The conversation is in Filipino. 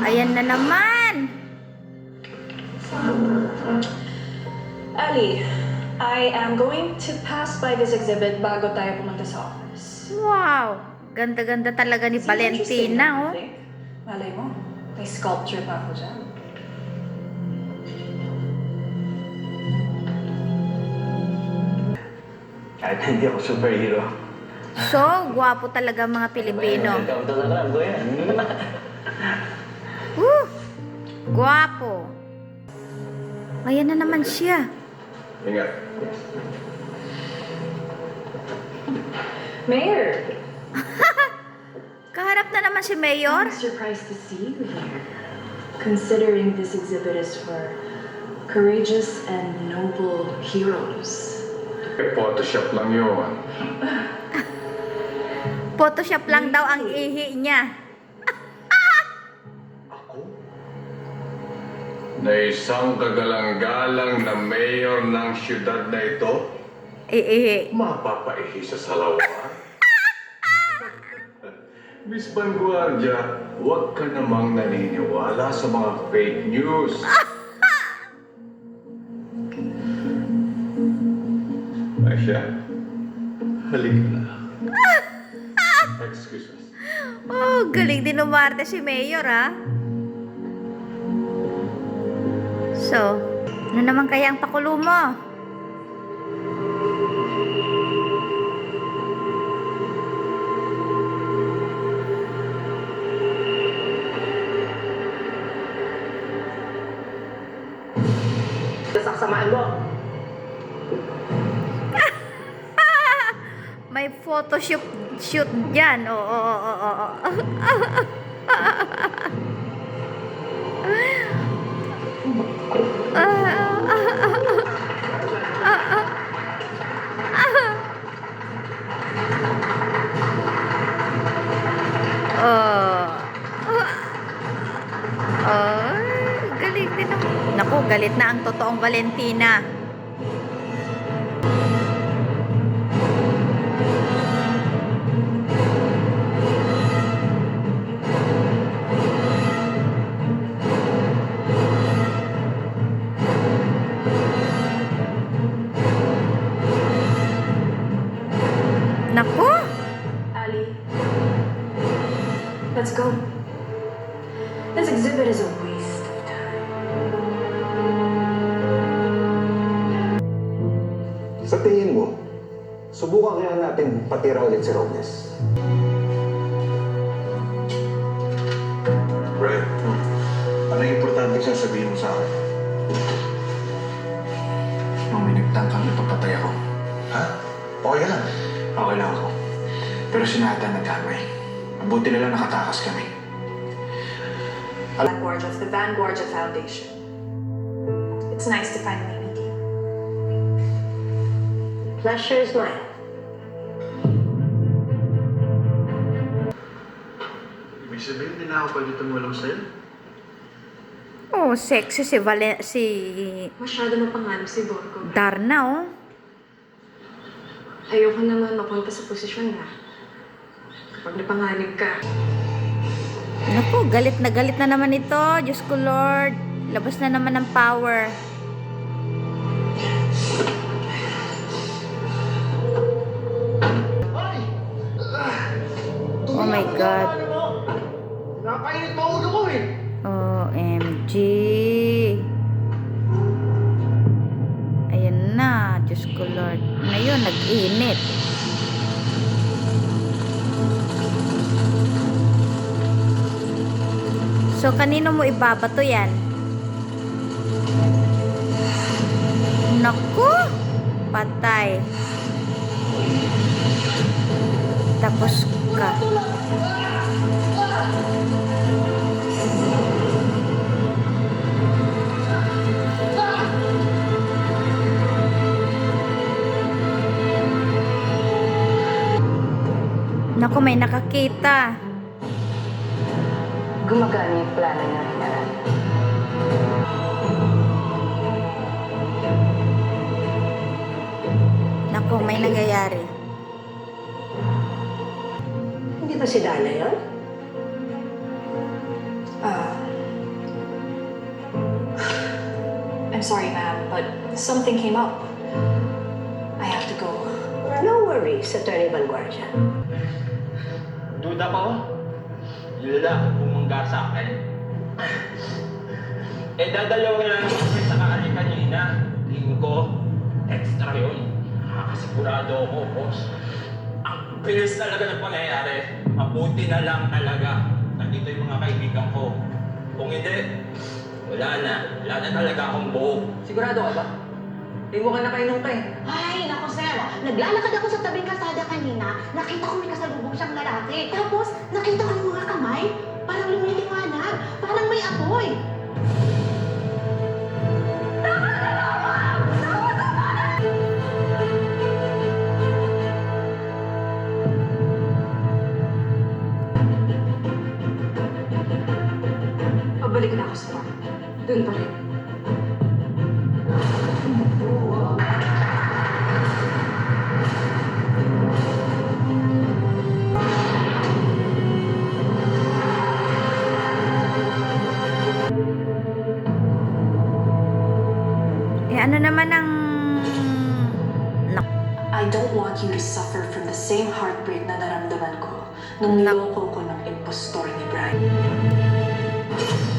Ayan na naman. Ali, I am going to pass by this exhibit bago tayo pumunta sa office. Wow. Ganda-ganda talaga ni Seem interesting, Valentina, don't oh. you think? Malay mo, may sculpture pa ako dyan. Kahit hindi ako superhero. So, gwapo talaga mga Pilipino. Welcome to the club ko yan. Gwapo. Ayan na naman siya. Ingat. Mayor! Kaharap na naman si Mayor. I'm surprised to see you here. Considering this exhibit is for courageous and noble heroes. Photoshop lang yun. Photoshop lang daw ang ihi niya. Ako? Na isang kagalang-galang na mayor ng siyudad na ito, Ihi. mapapaihi sa salawan? Miss Vanguardia, huwag ka namang naniniwala sa mga fake news. Asya, halika na. Excuse me. Oh, galing din umarte si Mayor, ha? So, ano naman kaya ang pakulo mo? Sasaksamaan mo! May photoshoot shoot dyan. Oo. Galing din naman. Naku, galit na ang totoong Valentina. Naku! Ali, let's go. This exhibit is a waste of time. Sa tingin mo, subukan kaya natin patira ulit si Robles. Brad, ano yung importante sasabihin mo sa akin? Nung may nagtangkang ipapatay ako, Ha? Okay lang. okay lang ako. Pero si Nathan nagkamay. Mabuti na lang nakatakas kami. Vanguardia of the Vanguardia Foundation. It's nice to finally meet you. Pleasure is mine. Ibig sabihin, hindi na ako pwede tumulong sa'yo? Oh, sexy si Masyado mapangarap si Borgo. Darna, oh. Ayoko naman mapunta sa posisyon na kapag napanganib ka. Naku, galit na naman ito. Diyos ko, Lord. Labas na naman ng power. Oh my God. Napainit pa ulo ko eh! OMG. Ayan na. Diyos ko, Lord. Ngayon, nag-init. So, kanino mo ibabato yan? Naku! Patay. Tapos ka. Naku, may nakakita. Gumagana yung plano niya, Hinarang. Naku, may nangyayari. Hindi ba si Dana yun? I'm sorry, ma'am, but something came up. I have to go. No worries, Attorney Vanguardia. Duda pa ba? Yung lalaki bumangga sa akin. Dadalawin lang kasi sa kaali kanina. Tingin ko, extra yun. Nakakasigurado ako, boss. Ang bilis talaga ng pangyayari. Mabuti na lang talaga. Nandito yung mga kaibigan ko. Kung hindi, wala na. Wala na talaga akong buo. Sigurado ka ba? Eh, mukhang nakainom ka eh. Ay, naku sir, naglalakad ako sa tabing kalsada kanina, nakita ko may kasalubong siyang lalaki. Tapos, nakita ko yung mga kamay, parang lumiliwanag, parang may apoy. Pabalik na ako sa farm. Doon pa rin. Eh, ano naman ang... I don't want you to suffer from the same heartbreak na naramdaman ko nung niloko ko ng impostor ni Brian.